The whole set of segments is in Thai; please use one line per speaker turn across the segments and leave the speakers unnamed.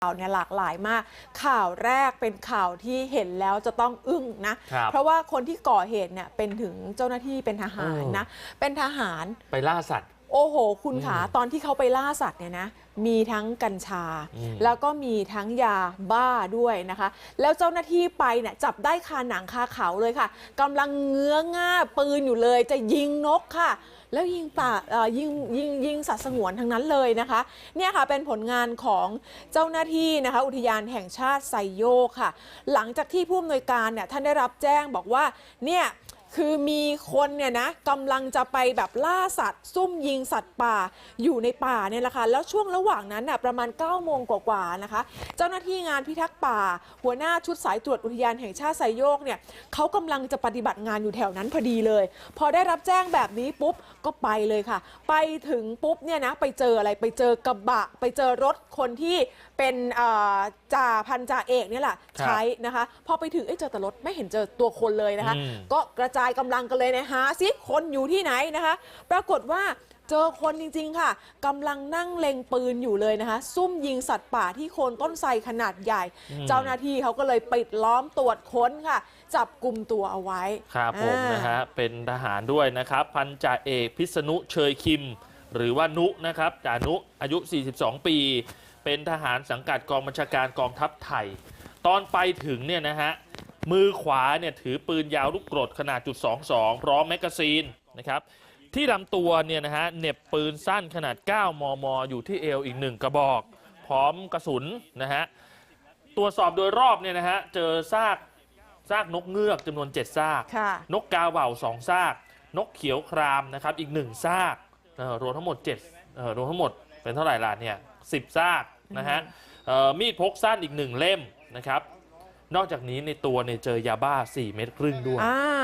ข่าวเนี่ยหลากหลายมากข่าวแรกเป็นข่าวที่เห็นแล้วจะต้องอึ้งนะเพราะว่าคนที่ก่อเหตุเนี่ยเป็นถึงเจ้าหน้าที่เป็นทหารนะเป็นทหาร
ไปล่าสัตว์
โอ้โหคุณขาตอนที่เขาไปล่าสัตว์เนี่ยนะมีทั้งกัญชาแล้วก็มีทั้งยาบ้าด้วยนะคะแล้วเจ้าหน้าที่ไปเนี่ยจับได้คาหนังคาเขาเลยค่ะกำลังเงื้อง่าปืนอยู่เลยจะยิงนกค่ะแล้วยิงสัตว์สงวนทั้งนั้นเลยนะคะเนี่ยค่ะเป็นผลงานของเจ้าหน้าที่นะคะอุทยานแห่งชาติไซโยกค่ะหลังจากที่ผู้อำนวยการเนี่ยท่านได้รับแจ้งบอกว่าเนี่ยคือมีคนเนี่ยนะกำลังจะไปแบบล่าสัตว์ซุ่มยิงสัตว์ป่าอยู่ในป่าเนี่ยแหละค่ะแล้วช่วงระหว่างนั้นน่ะประมาณ9 โมงกว่าๆนะคะเจ้าหน้าที่งานพิทักษ์ป่าหัวหน้าชุดสายตรวจอุทยานแห่งชาติไซโยกเนี่ยเขากำลังจะปฏิบัติงานอยู่แถวนั้นพอดีเลยพอได้รับแจ้งแบบนี้ปุ๊บก็ไปเลยค่ะไปถึงปุ๊บเนี่ยนะไปเจออะไรไปเจอกระบะไปเจอรถคนที่เป็นพันจ่าเอกเนี่ยแหละใช้นะคะพอไปถึงเจอแต่รถไม่เห็นเจอตัวคนเลยนะคะก็กระจายกำลังกันเลยนะหาซิคนอยู่ที่ไหนนะคะปรากฏว่าเจอคนจริงๆค่ะกำลังนั่งเล็งปืนอยู่เลยนะคะซุ่มยิงสัตว์ป่าที่โคนต้นไทรขนาดใหญ่เจ้าหน้าที่เขาก็เลยปิดล้อมตรวจค้นค่ะจับกลุ่มตัวเอาไว้
ครับผมนะฮะเป็นทหารด้วยนะครับพันจ่าเอกพิษณุเชยคิมหรือว่านุนะครับจ่านุอายุ42 ปีเป็นทหารสังกัดกองบัญชาการกองทัพไทยตอนไปถึงเนี่ยนะฮะมือขวาเนี่ยถือปืนยาวลูกกรดขนาด.22พร้อมแมกกาซีนนะครับที่ลำตัวเนี่ยนะฮะเหน็บปืนสั้นขนาด9 มมอยู่ที่เอวอีก1 กระบอกพร้อมกระสุนนะฮะตรวจสอบโดยรอบเนี่ยนะฮะเจอซากนกเงือกจำนวน7 ซากนกกาเหว่า2 ซากนกเขียวครามนะครับอีก1 ซากรวมทั้งหมดรวมทั้งหมดเป็นเท่าไหร่ล่ะเนี่ย10 ซากนะฮะมีดพกสั้นอีก1 เล่มนะครับนอกจากนี้ในตัวเนี่ยเจอยาบ้า4 เม็ดครึ่งด้วย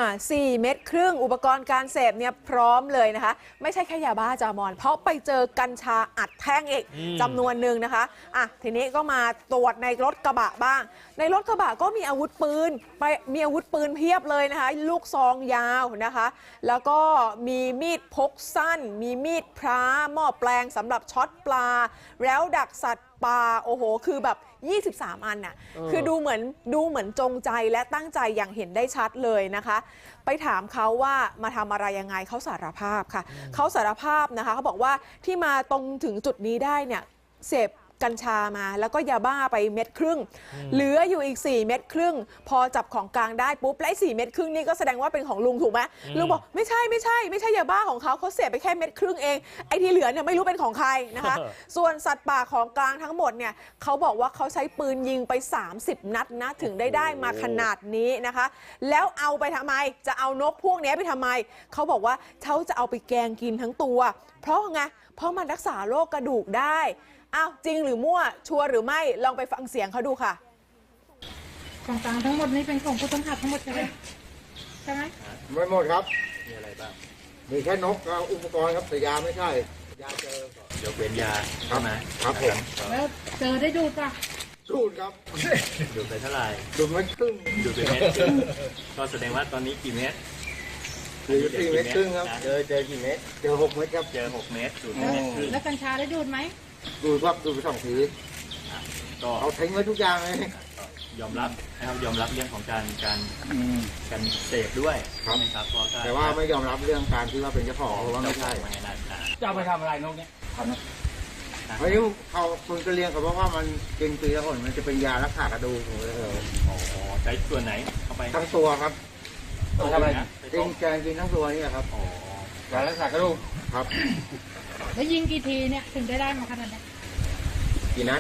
4 เม็ดครึ่งอุปกรณ์การเสพเนี่ยพร้อมเลยนะคะไม่ใช่แค่ยาบ้าจามอนเพราะไปเจอกัญชาอัดแท่งอีกจำนวนหนึ่งนะคะทีนี้ก็มาตรวจในรถกระบะบ้างในรถกระบะก็มีอาวุธปืนมีอาวุธปืนเพียบเลยนะคะลูกซองยาวนะคะแล้วก็มีมีดพกสั้นมีมีดพระหม้อแปลงสำหรับช็อตปลาแล้วดักสัตว์ป่าโอ้โหคือแบบ23 อันน่ะคือดูเหมือนจงใจและตั้งใจอย่างเห็นได้ชัดเลยนะคะไปถามเขาว่ามาทำอะไรยังไงเขาสารภาพค่ะเขาสารภาพนะคะเขาบอกว่าที่มาตรงถึงจุดนี้ได้เนี่ยเสพกัญชามาแล้วก็ยาบ้าไป1.5 เม็ดเหลืออยู่อีก4 เม็ดครึ่งพอจับของกลางได้ปุ๊บและ4 เม็ดครึ่งนี่ก็แสดงว่าเป็นของลุงถูกไหมลุงบอกไม่ใช่ยาบ้าของเขาเสพไปแค่1.5 เม็ดเองไอ้ที่เหลือเนี่ยไม่รู้เป็นของใครนะคะส่วนสัตว์ป่าของกลางทั้งหมดเนี่ยเขาบอกว่าเขาใช้ปืนยิงไป30 นัดนะถึงได้มาขนาดนี้นะคะแล้วเอาไปทำไมจะเอานกพวกนี้ไปทำไมเขาบอกว่าเขาจะเอาไปแกงกินทั้งตัวเพราะมันรักษาโรคกระดูกได้จริงหรือมั่วชัวร์หรือไม่ลองไปฟังเสียงเขาดูค่ะ
ของกลางทั้งหมดนี้เป็นของผู้ต้องหาทั้งหมดใช่ไหม
ไม่หมดครับ
มีอะไรบ้าง
มีแค่นกกับอุปกรณ์ครับแต่ยาไม่ใช่ยาเจ
อยกเว้นยา
ใช่ไหมครับผม
แล้วเจอได้ดูดป่ะ
ดูดครับ
ดูดไปเท่าไหร่
ดูดไม่ครึ่ง
ดูดไปเม็ดก็แสดงว่าตอนนี้กี่เม็ด
หรือ4 เม็ดครึ่งครับเจอกี่เม็ดเจอ6 เม็ดครับ
เจอ6 เม็ดดูดไปเม็ดครึ่ง
แล้วกัญชาได้ดูดไหม
ดูดครับดูดไป2 ทีก็เอาทิ้งไว้ทุกอย่างเลย
ยอมรับนะครับยอมรับเรื่องของการเสพด้วย
ครับแต่ว่าไม่ยอมรับเรื่องการที่ว่าเป็นเจ้าของเพราะว่าไม่ใช่
จะเอาไปทำอะไรนกเนี่ย
ไม่รู้เขาคนก็เลี้ยงเขาบอกว่ามันกินปีละคนมันจะเป็นยารักษากระดูก
ใช้ส่วนไหนเข้าไป
ทั้งตัวครับทำอะไรกินทั้งตัวนี่ครับยารักษากระดูกครับ
แล้วยิงกี่ทีเนี่ยถึงได้มาขนาดนี้
กี่นัด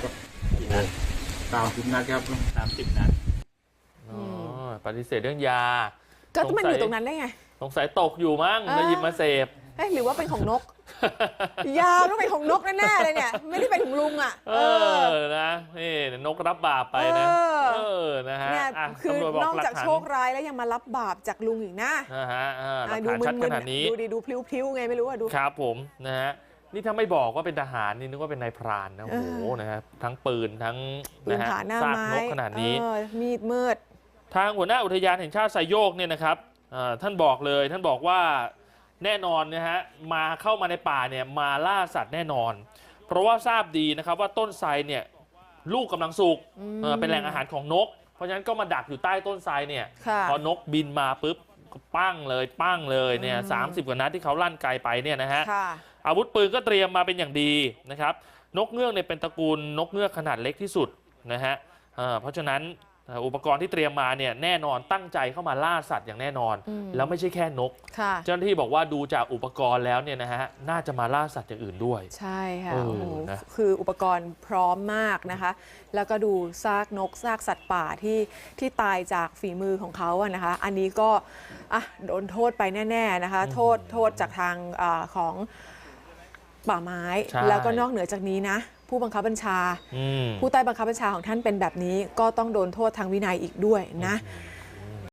30 นัดครับ
30 นัด
ปฏิเสธเรื่องยา
ก็มันอยู่ตรงนั้นได้ไง
สงสัยตกอยู่มั้งแล้วหยิบมาเสพ
หรือว่าเป็นของนกยาต้องเป็นของนกแน่ๆเลยเนี่ยไม่ได้เป็นของลุงอ่ะ
นะนี่นกรับบาปไปนะนะฮะ
คือนอกจากโชคร้ายแล้วยังมารับบาปจากลุงอีกนะ
ดูชัดขนาดนี้
ดูพลิ้วๆไงไม่รู้อ่ะดู
ครับผมนะฮะนี่ถ้าไม่บอกว่าเป็นทหารนี่นึกว่าเป็นนายพรานนะโอ้โหนะฮะทั้งปืนทั้งนะฮะซากนกขนาดนี้
มีดมืด
ทางหัวหน้าอุทยานแห่งชาติไซโยกเนี่ยนะครับท่านบอกว่าแน่นอนนะฮะเข้ามาในป่าเนี่ยมาล่าสัตว์แน่นอนเพราะว่าทราบดีนะครับว่าต้นไทรเนี่ยลูกกำลังสุกเป็นแหล่งอาหารของนกเพราะฉะนั้นก็มาดักอยู่ใต้ต้นไทรเนี่ย
ค่ะ
พอนกบินมาปุ๊บก็ปั้งเลยเนี่ย30 กว่านัดที่เขาลั่นไกไปเนี่ยนะฮะ
ค่ะ
อาวุธปืนก็เตรียมมาเป็นอย่างดีนะครับนกเงือกเนี่ยเป็นตระกูลนกเงือกขนาดเล็กที่สุดนะฮะเพราะฉะนั้นอุปกรณ์ที่เตรียมมาเนี่ยแน่นอนตั้งใจเข้ามาล่าสัตว์อย่างแน่นอน แล้วไม่ใช่แค่นก
ค่ะ
เจ้าหน้าที่บอกว่าดูจากอุปกรณ์แล้วเนี่ยนะฮะน่าจะมาล่าสัตว์อย่างอื่นด้วย
ใช่ค่ะ
เออ
โอ้โห
นะ
คืออุปกรณ์พร้อมมากนะคะ แล้วก็ดูซากนกซากสัตว์ป่าที่ตายจากฝีมือของเขาอะนะคะ อันนี้ก็โดนโทษไปแน่ๆนะคะ โทษจากทางของป่าไม้
ใช่
แล้วก็นอกเหนือจากนี้นะ ผู้บังคับบัญชา ผู้ใต้บังคับบัญชาของท่านเป็นแบบนี้ก็ต้องโดนโทษทางวินัยอีกด้วยนะ